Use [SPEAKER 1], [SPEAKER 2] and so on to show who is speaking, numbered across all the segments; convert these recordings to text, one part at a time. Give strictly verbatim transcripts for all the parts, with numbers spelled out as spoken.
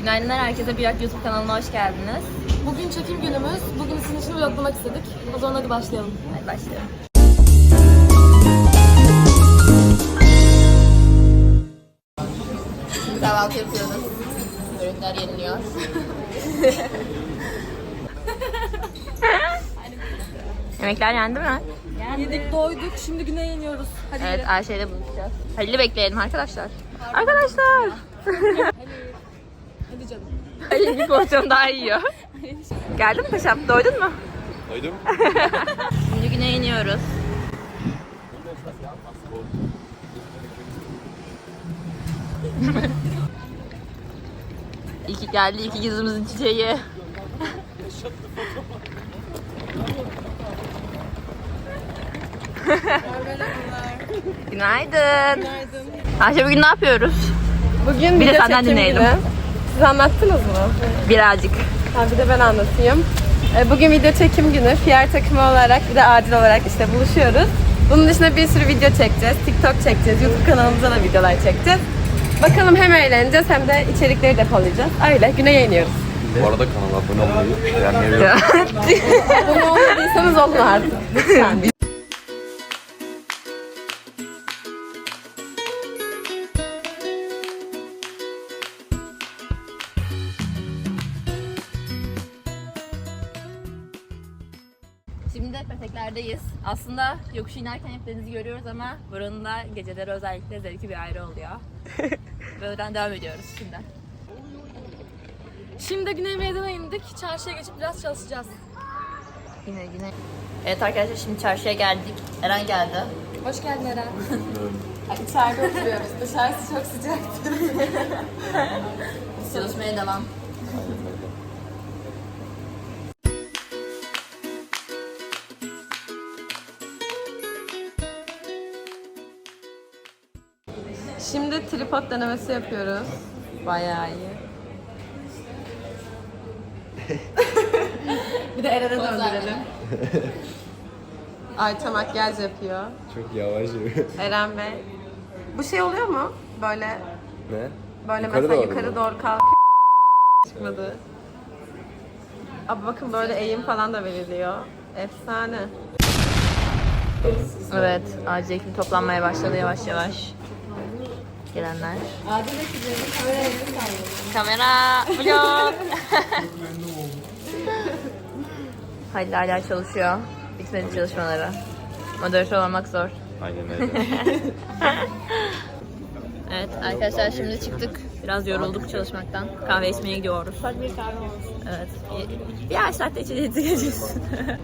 [SPEAKER 1] Günaydınlar herkese, Birak YouTube kanalına hoş geldiniz.
[SPEAKER 2] Bugün çekim günümüz. Bugün sizin için vloglamak istedik. O zaman hadi başlayalım.
[SPEAKER 1] Hadi başlayalım. Şimdi kahvaltı yapıyoruz. Ürünler yeniliyor. Yemekler yendi mi?
[SPEAKER 2] Yedik, doyduk. Şimdi güne iniyoruz. Hadi
[SPEAKER 1] Evet,
[SPEAKER 2] gidelim.
[SPEAKER 1] Ayşe'yle buluşacağız. Halil'i bekleyelim arkadaşlar. Arkadaşlar!
[SPEAKER 2] Hadi canım.
[SPEAKER 1] Halil bir porsiyon daha yiyor. Geldin mi paşam? Doydun mu?
[SPEAKER 3] Doydum.
[SPEAKER 1] Şimdi güne iniyoruz. İyi ki geldi, iki yüzümüzün çiçeği. Günaydın.
[SPEAKER 2] Günaydın.
[SPEAKER 1] Ayşe, bugün ne yapıyoruz?
[SPEAKER 2] Bugün
[SPEAKER 1] Bir de
[SPEAKER 2] video
[SPEAKER 1] senden
[SPEAKER 2] çekim
[SPEAKER 1] dinleyelim.
[SPEAKER 2] günü. Siz anlattınız mı?
[SPEAKER 1] Birazcık.
[SPEAKER 2] Ha, bir de ben anlatayım. Ee, Bugün video çekim günü. P R takımı olarak bir de acil olarak işte buluşuyoruz. Bunun dışında bir sürü video çekeceğiz. TikTok çekeceğiz. YouTube kanalımıza da videolar çekeceğiz. Bakalım hem eğleneceğiz hem de içerikleri depolayacağız. Öyle güne iniyoruz.
[SPEAKER 3] Bu arada kanala abone olmayı, beğenmeyi ve
[SPEAKER 2] Abone olmadıysanız olun artık. Lütfen.
[SPEAKER 1] Şimdi de Petekler'deyiz. Aslında yokuş inerken hep denizi görüyoruz ama buranın da geceleri özellikle zevki bir ayrı oluyor. Böyleden devam ediyoruz şimdi.
[SPEAKER 2] Şimdi Güney Meydan'a indik. Çarşıya geçip biraz çalışacağız.
[SPEAKER 1] Yine yine. Evet arkadaşlar, şimdi çarşıya geldik. Eren geldi.
[SPEAKER 2] Hoş geldin Eren. İçeride oturuyoruz. Dışarısı çok sıcaktır.
[SPEAKER 1] Çalışmaya devam.
[SPEAKER 2] Şimdi tripod denemesi yapıyoruz. Bayağı iyi. Bir de Eren'e döndürelim. Ayça makyaj yapıyor.
[SPEAKER 3] çok yavaş yürü.
[SPEAKER 2] Eren Bey. Bu şey oluyor mu? Böyle
[SPEAKER 3] Ne?
[SPEAKER 2] böyle
[SPEAKER 3] Yukarı
[SPEAKER 2] mesela
[SPEAKER 3] doğru
[SPEAKER 2] yukarı
[SPEAKER 3] mu?
[SPEAKER 2] doğru kalk. Çıkmadı. Abi bakın böyle eğim falan da veriliyor. Efsane.
[SPEAKER 1] Evet, acil ekim toplanmaya başladı yavaş yavaş. Gelenler.
[SPEAKER 2] Adil ekibinin kamera elini sallıyor.
[SPEAKER 1] Kamera, vlog. Halil hala çalışıyor. Bitmedi çalışmaları. Moderatör olmak zor.
[SPEAKER 3] Aynen öyle.
[SPEAKER 1] Evet arkadaşlar, şimdi çıktık. Biraz yorulduk çalışmaktan. Kahve içmeye gidiyoruz.
[SPEAKER 2] Hadi bir kahve olsun.
[SPEAKER 1] Evet. Bir, bir ay saatte içeceğiz geleceğiz.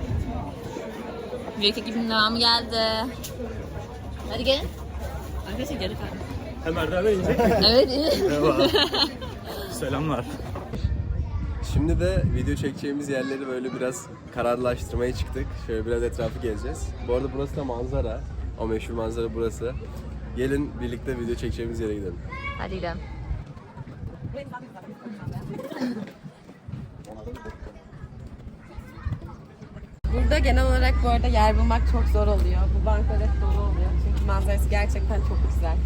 [SPEAKER 1] Büyük ekibin devamı geldi. Hadi gelin. Arkadaşlar geri kalın.
[SPEAKER 4] Hemen de inecek.
[SPEAKER 1] Evet iyi.
[SPEAKER 4] Merhaba. Selamlar.
[SPEAKER 3] Şimdi de video çekeceğimiz yerleri böyle biraz kararlaştırmaya çıktık. Şöyle biraz etrafı gezeceğiz. Bu arada burası da manzara. O meşhur manzara burası. Gelin birlikte video çekeceğimiz yere gidelim.
[SPEAKER 1] Hadi gidelim.
[SPEAKER 2] Burada genel olarak bu arada yer bulmak çok zor oluyor. Bu banklar hep dolu oluyor. Çünkü manzarası gerçekten çok güzel.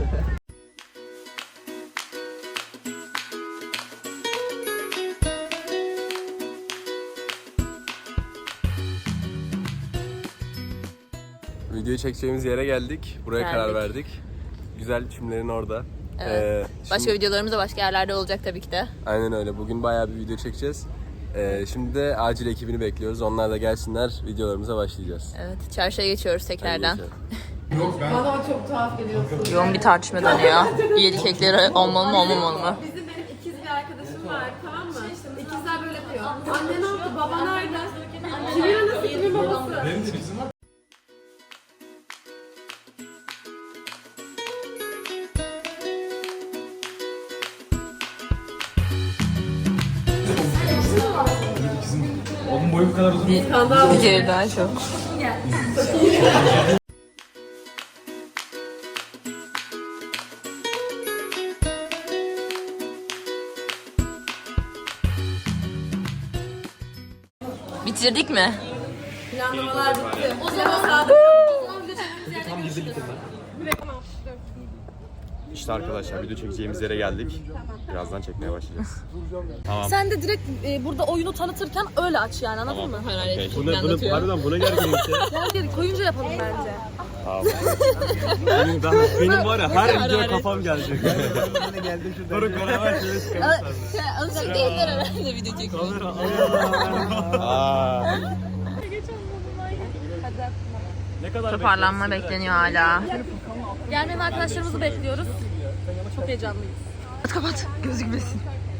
[SPEAKER 3] Videoyu çekeceğimiz yere geldik. Buraya
[SPEAKER 1] Geldik.
[SPEAKER 3] karar verdik. Güzel çimlerin orada.
[SPEAKER 1] Evet.
[SPEAKER 3] Ee,
[SPEAKER 1] Başka
[SPEAKER 3] şimdi-
[SPEAKER 1] videolarımız da başka yerlerde olacak tabii ki de.
[SPEAKER 3] Aynen öyle. Bugün bayağı bir video çekeceğiz. Ee, şimdi de acil ekibini bekliyoruz. Onlar da gelsinler, videolarımıza başlayacağız.
[SPEAKER 1] Evet, çarşıya geçiyoruz tekrardan.
[SPEAKER 3] Hadi
[SPEAKER 2] Bana o çok tuhaf geliyor.
[SPEAKER 1] Yoğun bir tartışma dönüyor. Üyelik ekleri olmalı mı olmamalı mı?
[SPEAKER 2] Bizim benim ikiz bir arkadaşım var, tamam mı? İkizler böyle yapıyor. Anne ne yaptı? Baba nerede? Kimin anası, kimin babası? Benim de kızım var.
[SPEAKER 4] Onun boyu bu kadar uzun.
[SPEAKER 1] Diğeri daha çok. Bitirdik mi?
[SPEAKER 2] Planlamalar bitti. O zaman sadık. O zaman video çektiğimiz yerde görüşürüz. Tamam, dur.
[SPEAKER 5] İşte arkadaşlar video çekeceğimiz yere geldik. Birazdan çekmeye başlayacağız.
[SPEAKER 6] Sen de direkt e, burada oyunu tanıtırken öyle aç yani anladın mı?
[SPEAKER 5] Okay.
[SPEAKER 4] Buna, buna, harbiden buna gerginim ki.
[SPEAKER 6] Gel gel koyunca yapalım bence.
[SPEAKER 5] Tamam.
[SPEAKER 4] Benim, ben, benim var ya her video kafam gelecek. Doruk beraber şöyle çıkarız.
[SPEAKER 1] Alışık değiller herhalde video çekmeye.
[SPEAKER 5] Aa.
[SPEAKER 4] Ne kadar
[SPEAKER 1] Toparlanma bekleniyor hala.
[SPEAKER 6] Gelmeyen arkadaşlarımızı bekliyoruz. Çok heyecanlıyız.
[SPEAKER 1] Kapat, gözükmesin.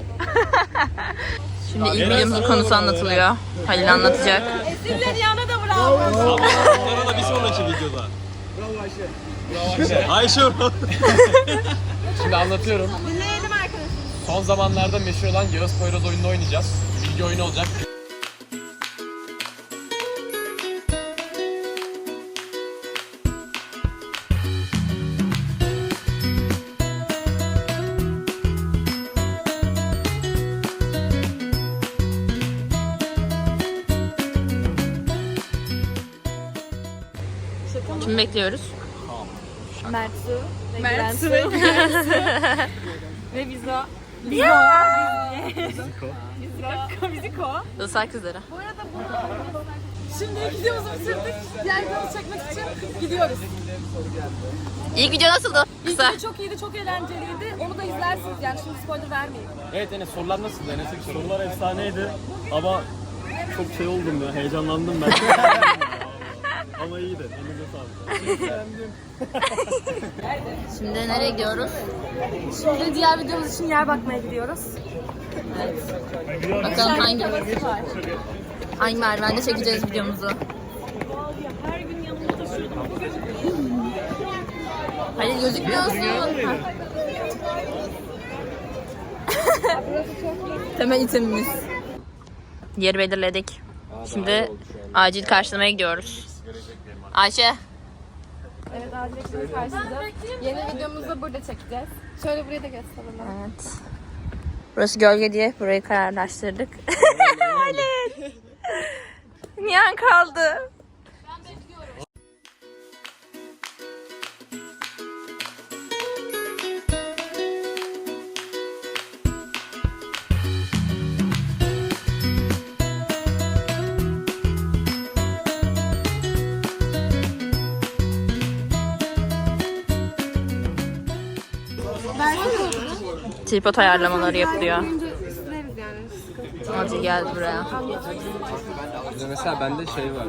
[SPEAKER 1] Şimdi ilk videomuzun konusu anlatılıyor. Halil anlatacak.
[SPEAKER 6] Esinler yana da bravo.
[SPEAKER 4] Sonra da bir sonraki videoda. Bravo Ayşe. Bravo Ayşe. Ayşe.
[SPEAKER 7] Şimdi anlatıyorum.
[SPEAKER 6] Dinleyelim arkadaşlar.
[SPEAKER 7] Son zamanlarda meşhur olan Yağız Poyraz oyununu oynayacağız. Bilgi oyunu olacak.
[SPEAKER 1] Kimi bekliyoruz?
[SPEAKER 6] Mertsu. Mertsu. Ve Vizo.
[SPEAKER 1] Islak kızları.
[SPEAKER 6] Şimdi videomuzu bitirdik. Diğer videomuzu çekmek için gidiyoruz.
[SPEAKER 1] İlk video nasıldı?
[SPEAKER 6] İlk
[SPEAKER 1] Kısa.
[SPEAKER 6] video çok iyiydi, çok eğlenceliydi. Onu da izlersiniz yani şimdi spoiler vermeyeyim.
[SPEAKER 4] Evet Enes sorular nasıldı? Enes'e bir sorular efsaneydi. Ama çok şey oldum ya, heyecanlandım ben. Ama iyiydi. Elinize sağlık.
[SPEAKER 1] Şimdi nereye gidiyoruz?
[SPEAKER 6] Şimdi diğer videomuz için yer bakmaya gidiyoruz.
[SPEAKER 1] Bakalım hangi hangi merdivende çekeceğiz videomuzu. Halil gözükmüyorsun. Ha. Temel itemimiz. Yeri belirledik. Şimdi acil karşılamaya gidiyoruz. Ayşe.
[SPEAKER 2] Evet, Adilek'in karşısında. Yeni videomuzu da burada çekeceğiz. Şöyle buraya da gösterelim.
[SPEAKER 1] Evet. Burası gölge diye burayı kararlaştırdık. Halil. Nihan kaldı. Tripod ayarlamaları yapılıyor. Hadi gel buraya.
[SPEAKER 3] Mesela bende şey var.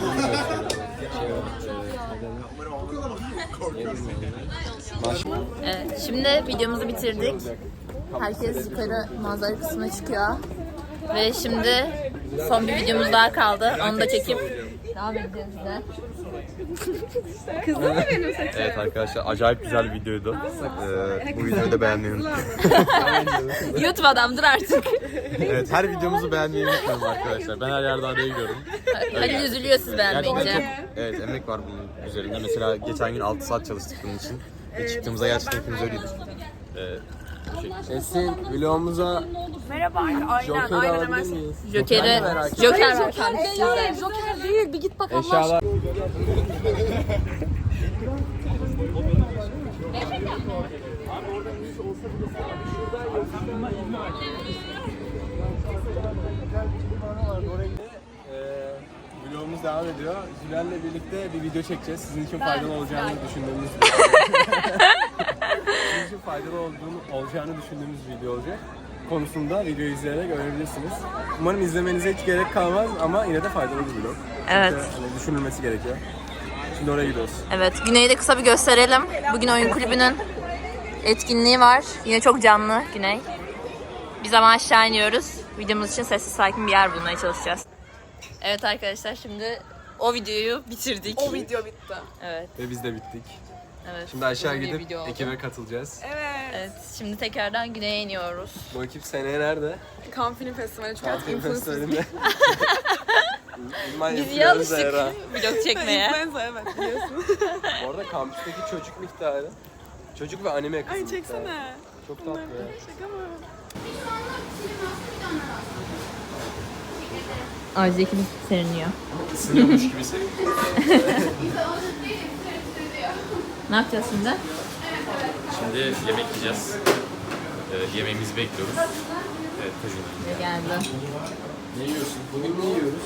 [SPEAKER 1] Evet, şimdi videomuzu bitirdik. Herkes yukarı manzara kısmına çıkıyor. Ve şimdi son bir videomuz daha kaldı. Onu da çekip devam edeceğiz de.
[SPEAKER 5] Evet arkadaşlar acayip güzel bir videoydu. Ee, bu videoyu da beğenmeyi unutmayın.
[SPEAKER 1] YouTube adamdır artık.
[SPEAKER 5] Evet her videomuzu beğenmeyi unutmayın arkadaşlar. Ben her yerde araya gidiyorum.
[SPEAKER 1] Halil üzülüyor siz beğenmeyince.
[SPEAKER 5] Gerçekten çok evet, emek var bunun üzerinde. Mesela geçen gün altı saat çalıştık bunun için. Ve çıktığımızda gerçekten hepimiz öyleydik. Ee, bu şey.
[SPEAKER 3] Esin vlogumuza
[SPEAKER 6] Merhaba. Aynen,
[SPEAKER 3] Joker'i
[SPEAKER 6] aynen
[SPEAKER 3] alabilir
[SPEAKER 6] hemen.
[SPEAKER 3] miyiz?
[SPEAKER 1] Joker'i,
[SPEAKER 3] merak ettim.
[SPEAKER 1] Joker var.
[SPEAKER 6] Joker değil, Joker değil. Bir git bak Allah aşkına.
[SPEAKER 3] Eşyalar. Ee, vlogumuz devam ediyor. Zülen'le birlikte bir video çekeceğiz. Sizin için faydalı olacağını düşündüğümüz Sizin için faydalı olduğunu, olacağını düşündüğümüz video olacak. Konusunda videoyu izleyerek öğrenebilirsiniz. Umarım izlemenize hiç gerek kalmaz ama yine de faydalı bir vlog.
[SPEAKER 1] Evet.
[SPEAKER 3] Çünkü hani düşünülmesi gerekiyor. Şimdi oraya gidiyoruz.
[SPEAKER 1] Evet, Güney'i de kısa bir gösterelim. Bugün oyun kulübünün etkinliği var. Yine çok canlı Güney. Biz ama aşağı iniyoruz. Videomuz için sessiz sakin bir yer bulmaya çalışacağız. Evet arkadaşlar, şimdi o videoyu bitirdik.
[SPEAKER 2] O video bitti.
[SPEAKER 1] Evet,
[SPEAKER 3] Ve biz de bittik.
[SPEAKER 1] evet.
[SPEAKER 3] Şimdi aşağı
[SPEAKER 1] Uzun bir
[SPEAKER 3] gidip
[SPEAKER 1] video oldu.
[SPEAKER 3] ekibe katılacağız.
[SPEAKER 1] Evet, şimdi tekrardan Güney'e iniyoruz.
[SPEAKER 3] Bu ekip seneye nerede?
[SPEAKER 2] Cannes Film Festivali çünkü artık
[SPEAKER 3] Film
[SPEAKER 2] influencer.
[SPEAKER 3] Festivalinde.
[SPEAKER 1] Biz iyi alıştık vlog çekmeye.
[SPEAKER 2] Influencer evet biliyorsun.
[SPEAKER 3] Bu arada kampüsteki çocuk miktarı. Çocuk ve anime kısmı.
[SPEAKER 2] Ay çeksene.
[SPEAKER 3] Çok tatlı ya.
[SPEAKER 2] Şaka mı?
[SPEAKER 1] Acil ekibimiz seriniyor.
[SPEAKER 3] Isınıyormuş gibi
[SPEAKER 1] Ne yapacağız şimdi?
[SPEAKER 3] Şimdi
[SPEAKER 5] Şimdi yemek yiyeceğiz. Ee, yemeğimizi bekliyoruz. Evet, kajun.
[SPEAKER 1] Geldi.
[SPEAKER 3] Ne yiyorsun? Bugün ne yiyoruz?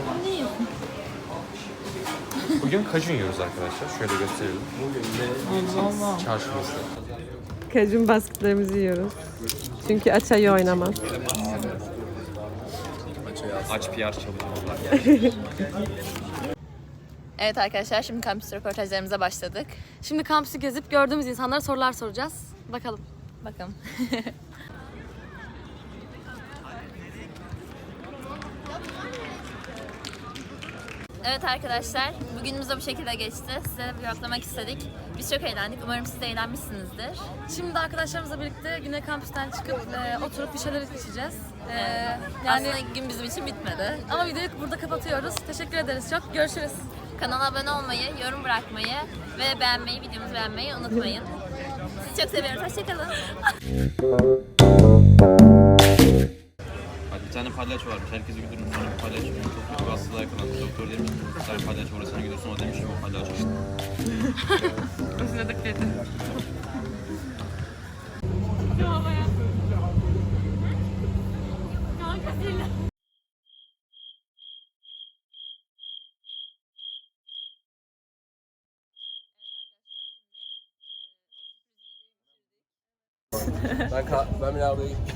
[SPEAKER 5] Bugün kajun yiyoruz arkadaşlar. Şöyle gösterelim.
[SPEAKER 3] Bugün ne?
[SPEAKER 5] Çarşımızda.
[SPEAKER 2] Kajun basketlerimizi yiyoruz. Çünkü aç ayı oynamaz.
[SPEAKER 5] Aç P R çalışıyorlar.
[SPEAKER 1] Evet arkadaşlar şimdi kampüs röportajlarımıza başladık.
[SPEAKER 6] Şimdi kampüsü gezip gördüğümüz insanlara sorular soracağız. Bakalım.
[SPEAKER 1] Bakalım. Evet arkadaşlar, bugünümüz de bu şekilde geçti. Size vloglamak istedik. Biz çok eğlendik. Umarım siz de eğlenmişsinizdir.
[SPEAKER 6] Şimdi arkadaşlarımızla birlikte yine kampüsten çıkıp e, oturup bir şeyler içeceğiz. E,
[SPEAKER 1] Yani
[SPEAKER 6] yani
[SPEAKER 1] aslında gün bizim için bitmedi.
[SPEAKER 6] ama videoyu burada kapatıyoruz. Teşekkür ederiz çok. Görüşürüz.
[SPEAKER 1] Kanala abone olmayı, yorum bırakmayı ve beğenmeyi, videomuzu beğenmeyi unutmayın. Sizi çok seviyoruz. Hoşçakalın.
[SPEAKER 5] Bir tane palyaço varmış. Herkesi güldürmüş. Sonra bir palyaço çok kötü bir hastalığa yakalanmış. Doktor demiş ki sen palyaço orasına gidiyorsun. O demiş ki o palyaço işte.
[SPEAKER 6] Özledik dedi.
[SPEAKER 3] Ben, ka- ben bir ablaya gittim.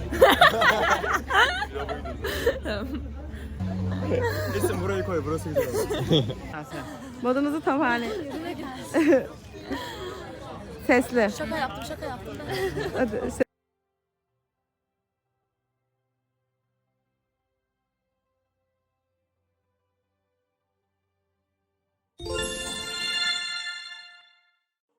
[SPEAKER 4] Kesin burayı koy, burası güzel olur.
[SPEAKER 2] Modunuzu toparlayın. Sesli.
[SPEAKER 6] Şaka yaptım, şaka yaptım.
[SPEAKER 2] Hadi,